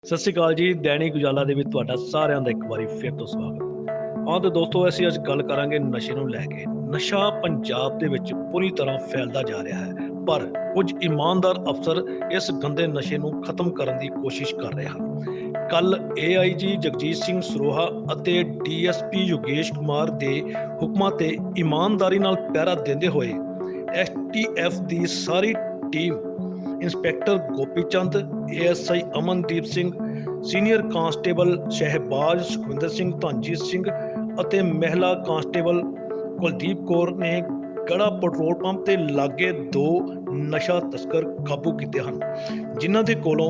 ਸਤਿ ਸ਼੍ਰੀ ਅਕਾਲ ਜੀ। ਦੈਨਿਕ ਉਜਾਲਾ ਦੇ ਵਿੱਚ ਤੁਹਾਡਾ ਸਾਰਿਆਂ ਦਾ ਇੱਕ ਵਾਰੀ ਫਿਰ ਤੋਂ ਸਵਾਗਤ। ਹਾਂ ਤੇ ਦੋਸਤੋ, ਅਸੀਂ ਅੱਜ ਗੱਲ ਕਰਾਂਗੇ ਨਸ਼ੇ ਨੂੰ ਲੈ ਕੇ। ਨਸ਼ਾ ਪੰਜਾਬ ਦੇ ਵਿੱਚ ਪੂਰੀ ਤਰ੍ਹਾਂ ਫੈਲਦਾ ਜਾ ਰਿਹਾ ਹੈ, ਪਰ ਕੁਝ ਇਮਾਨਦਾਰ ਅਫਸਰ ਇਸ ਗੰਦੇ ਨਸ਼ੇ ਨੂੰ ਖਤਮ ਕਰਨ ਦੀ ਕੋਸ਼ਿਸ਼ ਕਰ ਰਹੇ ਹਨ। ਕੱਲ AIG ਜਗਜੀਤ ਸਿੰਘ ਸਰੋਹਾ ਅਤੇ DSP ਯੋਗੇਸ਼ ਕੁਮਾਰ ਦੇ ਹੁਕਮਾਂ ਤੇ ਇਮਾਨਦਾਰੀ ਨਾਲ ਪਹਿਰਾ ਦਿੰਦੇ ਹੋਏ STF ਦੀ ਸਾਰੀ team inspector Gopi Chand, ASI Amandeep Singh, senior constable Shahbaz Sukhwinder Singh, Dhanjeet Singh ਅਤੇ ਮਹਿਲਾ ਕਾਂਸਟੇਬਲ ਕੁਲਦੀਪ ਕੌਰ ਨੇ ਗੜਾ ਪੈਟਰੋਲ ਪੰਪ ਤੇ ਲਾਗੇ 2 ਨਸ਼ਾ ਤਸਕਰ ਕਾਬੂ ਕੀਤੇ ਹਨ, ਜਿਨ੍ਹਾਂ ਦੇ ਕੋਲੋਂ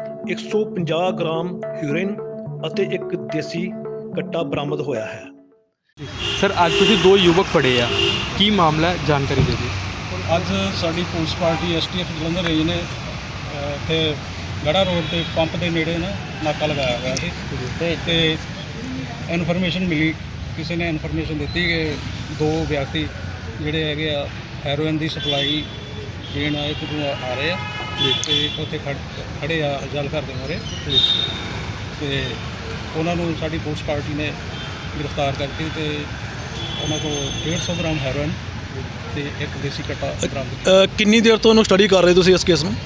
150 ਗ੍ਰਾਮ ਹੈਰੋਇਨ ਅਤੇ ਇੱਕ ਦੇਸੀ ਕੱਟਾ ਬਰਾਮਦ ਹੋਇਆ ਹੈ। ਸਰ, ਅੱਜ ਤੁਸੀਂ 2 ਯੁਵਕ ਫੜੇ ਆ, ਕੀ ਮਾਮਲਾ ਹੈ, ਜਾਣਕਾਰੀ ਦੇ ਦਿਓ। ਅੱਜ ਸਾਡੀ police party STF Jalandhar range ਨੇ ਇੱਥੇ ਗੜਾ ਰੋਡ ਤੇ ਪੰਪ ਦੇ ਨੇੜੇ ਨਾ ਨਾਕਾ ਲਗਾਇਆ ਹੋਇਆ ਸੀ ਤੇ ਇਨਫੋਰਮੇਸ਼ਨ ਮਿਲੀ, ਕਿਸੇ ਨੇ ਇਨਫੋਰਮੇਸ਼ਨ ਦਿੱਤੀ ਕਿ 2 ਵਿਅਕਤੀ ਜਿਹੜੇ ਹੈਗੇ ਆ ਹੈਰੋਇਨ ਦੀ ਸਪਲਾਈ ਦੇਣ ਇੱਧਰ ਆ ਰਹੇ ਆ ਤੇ ਉੱਥੇ ਖੜੇ ਆ ਜਲ ਘਰ ਦੇ ਮੂਹਰੇ ਤੇ ਉਹਨਾਂ ਨੂੰ ਸਾਡੀ ਪੁਲਿਸ ਪਾਰਟੀ ਨੇ ਗ੍ਰਿਫਤਾਰ ਕਰਕੇ ਤੇ ਉਹਨਾਂ ਕੋਲ 150 ਗ੍ਰਾਮ ਹੈਰੋਇਨ ਤੇ ਇੱਕ ਦੇਸੀ ਕੱਟਾ ਬਰਾਮਦ। ਕਿੰਨੀ ਦੇਰ ਤੋਂ ਉਹਨੂੰ ਸਟੱਡੀ ਕਰ ਰਹੇ ਤੁਸੀਂ ਇਸ ਕੇਸ ਨੂੰ?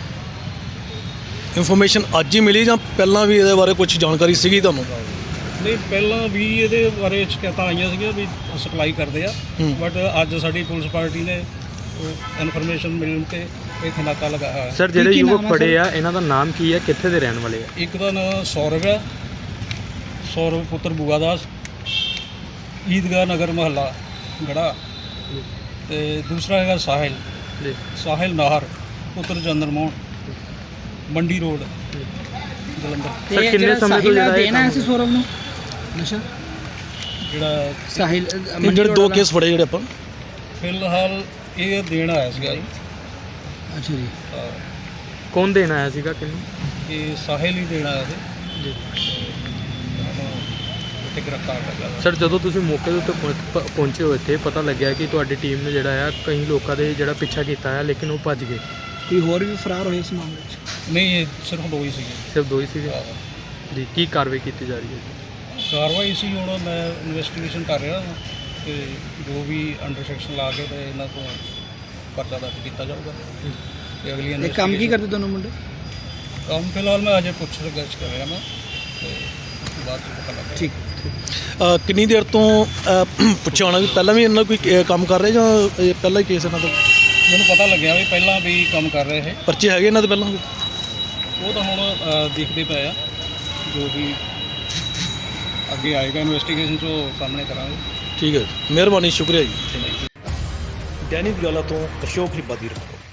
ਇਨਫੋਰਮੇਸ਼ਨ ਅੱਜ ਹੀ ਮਿਲੀ ਜਾਂ ਪਹਿਲਾਂ ਵੀ ਇਹਦੇ ਬਾਰੇ ਕੁਝ ਜਾਣਕਾਰੀ ਸੀਗੀ ਤੁਹਾਨੂੰ? ਨਹੀਂ, ਪਹਿਲਾਂ ਵੀ ਇਹਦੇ ਬਾਰੇ ਸ਼ਿਕਾਇਤਾਂ ਆਈਆਂ ਸੀਗੀਆਂ ਵੀ ਸਪਲਾਈ ਕਰਦੇ ਆ, ਬਟ ਅੱਜ ਸਾਡੀ ਪੁਲਿਸ ਪਾਰਟੀ ਨੇ ਇਨਫੋਰਮੇਸ਼ਨ ਮਿਲਣ ਤੇ ਇੱਥੇ ਨਾਕਾ ਲਗਾਇਆ ਹੋਇਆ। ਸਰ, ਜਿਹੜੇ ਯੁਵਕ ਫੜੇ ਆ ਇਹਨਾਂ ਦਾ ਨਾਮ ਕੀ ਹੈ, ਕਿੱਥੇ ਦੇ ਰਹਿਣ ਵਾਲੇ ਆ? ਇੱਕ ਦਾ ਨਾਮ ਸੌਰਵ ਆ, ਸੌਰਵ ਪੁੱਤਰ ਬੂਆ ਦਾਸ, ਈਦਗਾਹ ਨਗਰ ਮਹੱਲਾ ਗੜਾ, ਤੇ ਦੂਸਰਾ ਹੈਗਾ ਸਾਹਿਲ ਨਾਹਰ ਪੁੱਤਰ ਚੰਦਰ ਮੋਹਨ, ਮੰਡੀ ਰੋਡ ਜਲੰਧਰ। ਸਰ, ਕਿੰਨੇ ਸਮੇਂ ਤੋਂ ਜਿਹੜਾ ਦੇਣਾ ਸੀ ਸੌਰਵ ਨੂੰ ਨਸ਼ਾ? ਜਿਹੜਾ ਸਾਹਿਲ ਜਿਹੜੇ 2 ਕੇਸ ਫੜੇ ਜਿਹੜੇ ਆਪਾਂ ਫਿਲਹਾਲ ਇਹ ਦੇਣ ਆਇਆ ਸੀਗਾ ਜੀ। ਅੱਛਾ ਜੀ। ਕੌਣ ਦੇਣ ਆਇਆ ਸੀਗਾ, ਕਿੰਨੂੰ? ਇਹ ਸਾਹਿਲ ਹੀ ਦੇਣ ਆਇਆ ਸੀ ਜੀ। ਇੱਥੇ ਗ੍ਰਿਫਤਾਰ ਕਰ ਲਿਆ। ਸਰ, ਜਦੋਂ ਤੁਸੀਂ ਮੌਕੇ ਦੇ ਉੱਤੇ ਪਹੁੰਚੇ ਹੋ, ਇੱਥੇ ਪਤਾ ਲੱਗਿਆ ਕਿ ਤੁਹਾਡੀ ਟੀਮ ਨੇ ਜਿਹੜਾ ਆ ਕਈ ਲੋਕਾਂ ਦੇ ਜਿਹੜਾ ਪਿੱਛਾ ਕੀਤਾ ਹੈ, ਲੇਕਿਨ ਉਹ ਭੱਜ ਗਏ। ਕੋਈ ਹੋਰ ਵੀ ਫਰਾਰ ਹੋਏ ਇਸ ਮਾਮਲੇ 'ਚ? ਨਹੀਂ, ਇਹ ਸਿਰਫ 2 ਹੀ ਸੀਗੇ। ਸਿਰਫ 2 ਹੀ ਸੀਗੇ ਜੀ। ਕੀ ਕਾਰਵਾਈ ਕੀਤੀ ਜਾ ਰਹੀ ਹੈ? ਕਾਰਵਾਈ ਸੀ, ਹੁਣ ਮੈਂ ਇਨਵੈਸਟੀਗੇਸ਼ਨ ਕਰ ਰਿਹਾ ਹਾਂ ਤੇ ਜੋ ਵੀ ਅੰਡਰ ਸੈਕਸ਼ਨ ਲਾ ਕੇ ਤੇ ਇਹਨਾਂ ਤੋਂ ਪਰਚਾ ਦਰਜ ਕੀਤਾ ਜਾਊਗਾ ਤੇ ਅਗਲੀ ਇਹ ਕੰਮ ਕੀ ਕਰਦੇ ਦੋਨੋਂ ਮੁੰਡੇ? ਕੰਮ ਫਿਲਹਾਲ ਮੈਂ ਅਜੇ ਪੁੱਛ-ਗਿੱਛ ਕਰ ਰਿਹਾ ਮੈਂ ਤੇ ਬਾਅਦ 'ਚ ਪਤਾ ਲੱਗਾ। ਠੀਕ। ਕਿੰਨੀ ਦੇਰ ਤੋਂ ਪੁੱਛਿਆ ਹੋਣਾ ਵੀ ਪਹਿਲਾਂ ਵੀ ਇਹਨਾਂ ਕੋਈ ਕੰਮ ਕਰ ਰਹੇ ਜਾਂ ਇਹ ਪਹਿਲਾ ਹੀ ਕੇਸ ਇਹਨਾਂ ਦਾ? ਮੈਨੂੰ ਪਤਾ ਲੱਗਿਆ ਵੀ ਪਹਿਲਾਂ ਵੀ ਕੰਮ ਕਰ ਰਹੇ ਇਹ। ਪਰਚੇ ਹੈਗੇ ਇਹਨਾਂ ਦੇ ਪਹਿਲਾਂ ਵੀ? ਉਹ ਤਾਂ ਹੁਣ ਦੇਖਦੇ ਪਏ ਆ, ਜੋ ਵੀ ਅੱਗੇ ਆਏਗਾ ਇਨਵੈਸਟੀਗੇਸ਼ਨ 'ਚ ਉਹ ਸਾਹਮਣੇ ਕਰਾਂਗੇ। ਠੀਕ ਹੈ, ਮਿਹਰਬਾਨੀ, ਸ਼ੁਕਰੀਆ ਜੀ। ਦੈਨਿਕ ਉਜਾਲਾ ਤੋਂ ਅਸ਼ੋਕ ਰਿਪਾਦੀ।